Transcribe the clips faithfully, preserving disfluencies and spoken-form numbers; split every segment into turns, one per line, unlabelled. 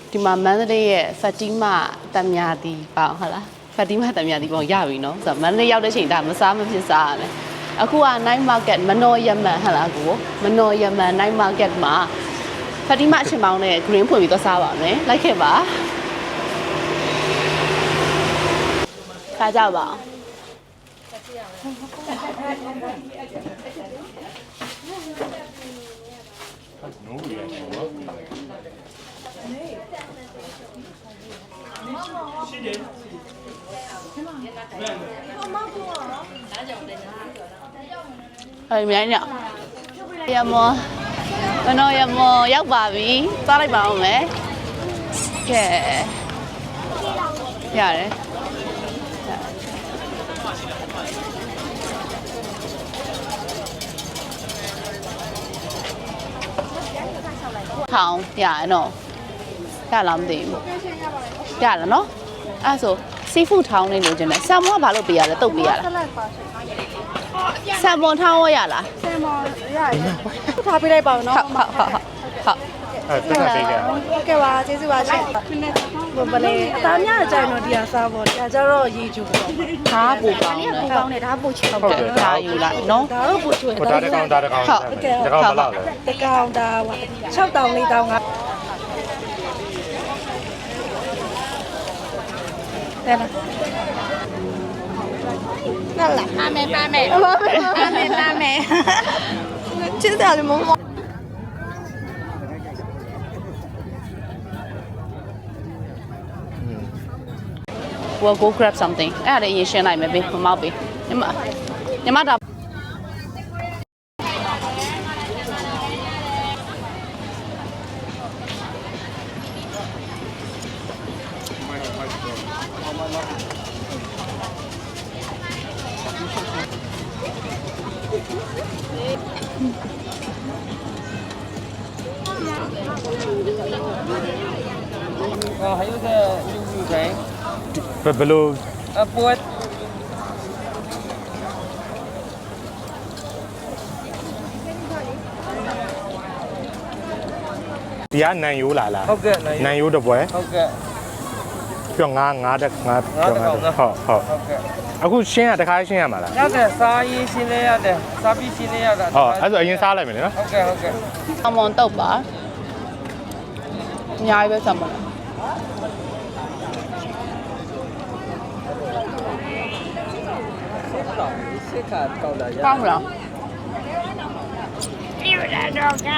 ဒီမှာမန္တလေးရဲ့ဖတ်တီမာတမ်မြာတီပေါ့ဟုတ်လားဖတ်တီမာတမ်မြာတီပေါ့ရပြီနော်ဆိုတော့မန္တလေးရောက်တဲ့ချိန်ဒါမစားမဖြစ်စားရမယ်အခုက night market မနော်ယမန်ဟုတ်လားကိုမနော်ယမန် night market မှာဖတ်တီမာအချင်းပေါင်းနဲ့ green ဖွင့်ပြီးတော့စားပါမယ်လိုက်ခဲ့ပါစားကြပါအဲ့မြိုင်းညရမောမနော်ရမောရောက်ပါပြီစားလိုက်ပါဦးမယ်ကဲရတယ်ထောင်ရရနော်ရလားမသိဘူးရလားနော်အဲ့ဆိုစီဖူထောင်းနေလို့ကျင်တယ်ဆာမွန်ကဘာလို့ပေးရလဲတုတ်ပေးရလားဆာမွန်ထောင်းရလား
ဆာမွန်ရတယ်ထားပေးလိုက်ပါဦးနော်
ဟုတ်ဟုတ်ဟုတ်ဟုတ်
အဲ့ဒါပေးကြ
ဟုတ်ကဲ့ပါကျေးဇူးပါရှင်ဘယ်လေအသားများကြိုင်တော့ဒီဟာစားပေါ့ဒါကြတော့ရေချိုပေါ့
ဒါပူကောင်းတယ်
ပူကောင်းတယ်ဒါပူချောက်တယ်
ဒါယူလိုက်နော်
ဒါတော့ပူချွေ
ဒါတကောင်ဒါတကောင်
ဟုတ်ကဲ့
တကောင်ဘလောက်လဲ
တကောင်ဒါ၆တောင်၄တောင်ကတယ်လား那来，妈妹妈妹，妈妹妈妹妈妹，知道了吗？
我 go grab something အဲ့ဒါလည်းရင်ရှင်းလိုက်မယ်ဘေးမမောက်ဘေးညီမညီမဒါ
哦，还有个牛肉干，
ဘယ်လို
啊，波，
ဒီကနန်ယိုးလာလား
好个，
နန်ယိုးတစ်ပွဲ
好个，
ပြီးတော့ငါးငါးတက်ငါးဟုတ်ဟုတ်ဟုတ်
好个，
အခုရှင်းရတခါရှင်းရမှာလား
要得沙衣新的要得，沙皮新的要得，
ဟောအဲ့ဆိုအရင်စားလိုက်မယ်နော်
好个好个，
ဆာမွန်တုတ်ပါအများကြီးပဲဆာမွန်
谁看到了呀？
ကောင်းလား
六来多开。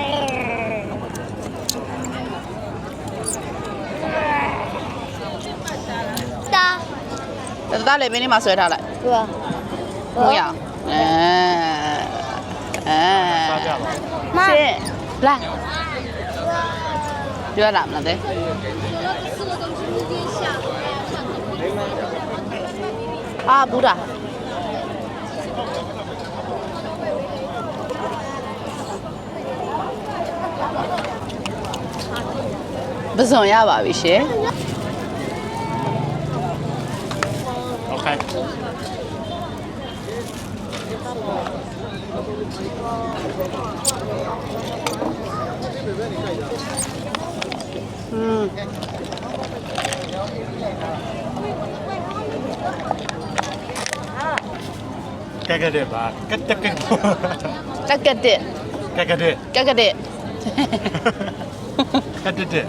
တာ
တသားလေးဘင်းလေးမှာဆွဲထားလိုက်
ဟုတ်ပါ
ဟုတ်ရအောင်အဲအဲ
စားကြပါ
ရှင်းလာပြောလာမလားတဲ့အာဘူဒါပဇွန်ရပါပြီရှင်
โอเค
อืม
ကဲကဲတဲ့ပါကက်တက်ကက်
တက်ကက်တဲ့
ကဲကဲတဲ့
ကက်ကက်တဲ့
ကက်တက်တဲ့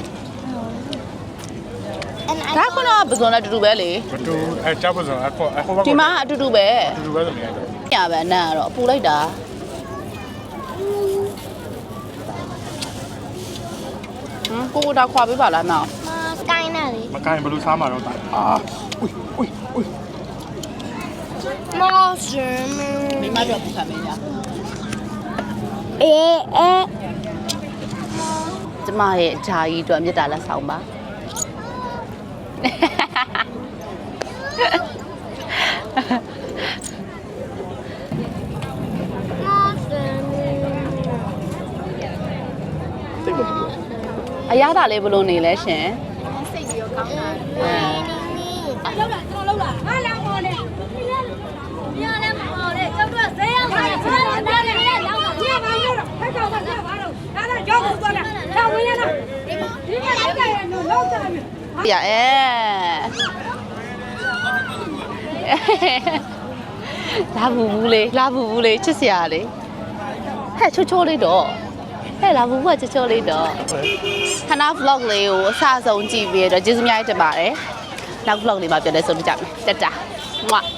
ဒါခုနကပဇွန်နဲ့တူတူပဲလေ
ဘတူအဲချပ်ပစုံအခုအခုဘာ
ဒီမှာအတူတူပဲ
တူပဲဆိုနေရတယ်
ညပဲအနံ့ကတော့ပူလိုက်တာဟမ်ကိုကိုဒါခွာပေးပါလားနော်
မကိုင်းနဲ့လေ
မကိုင်ဘယ်လိုစားမှာတော့တာအာอุ้ยอุ้ยอุ้ย
မောရှင်
မိမပြောပူခံမင်းညာ
အေးအေး
ကျမရဲ့ဂျာကြီးအတွက်မြတ်တာလက်ဆောင်ပါအရသာလေးဘလို့နေလဲရှင်စိတ်ပြီးတော့ကောင်းတာအဲလောက်လာကျွန်တော်လောက်လာငါလာမော်နဲ့မရလဲမော်နဲ့ကျောက်တော့ဈေးရောက်တယ်ဈေးရောက်တယ်လည်းရောက်တာကြည့်ပါဦးတော့ဖက်ကောင်ကကြည့်ပါတော့ဒါတော့ရောက်ဘူးသွားတာလာဝင်ရလားဒီမှာဒီကရအဲလာဘူးဘူးလေးလာဘူးဘူးလေးချစ်စရာလေးဟဲ့ချိုးချိုးလေးတော့ဟဲ့လာဘူးကချိုးချိုးလေးတော့ခဏ vlog လေးကိုအစဆုံးကြည့်ပြီးတော့ကျေးဇူးများတင်ပါတယ်နောက် vlog လေးမှာပြန်လဲဆုံးပြကြမယ်တက်တာမွတ်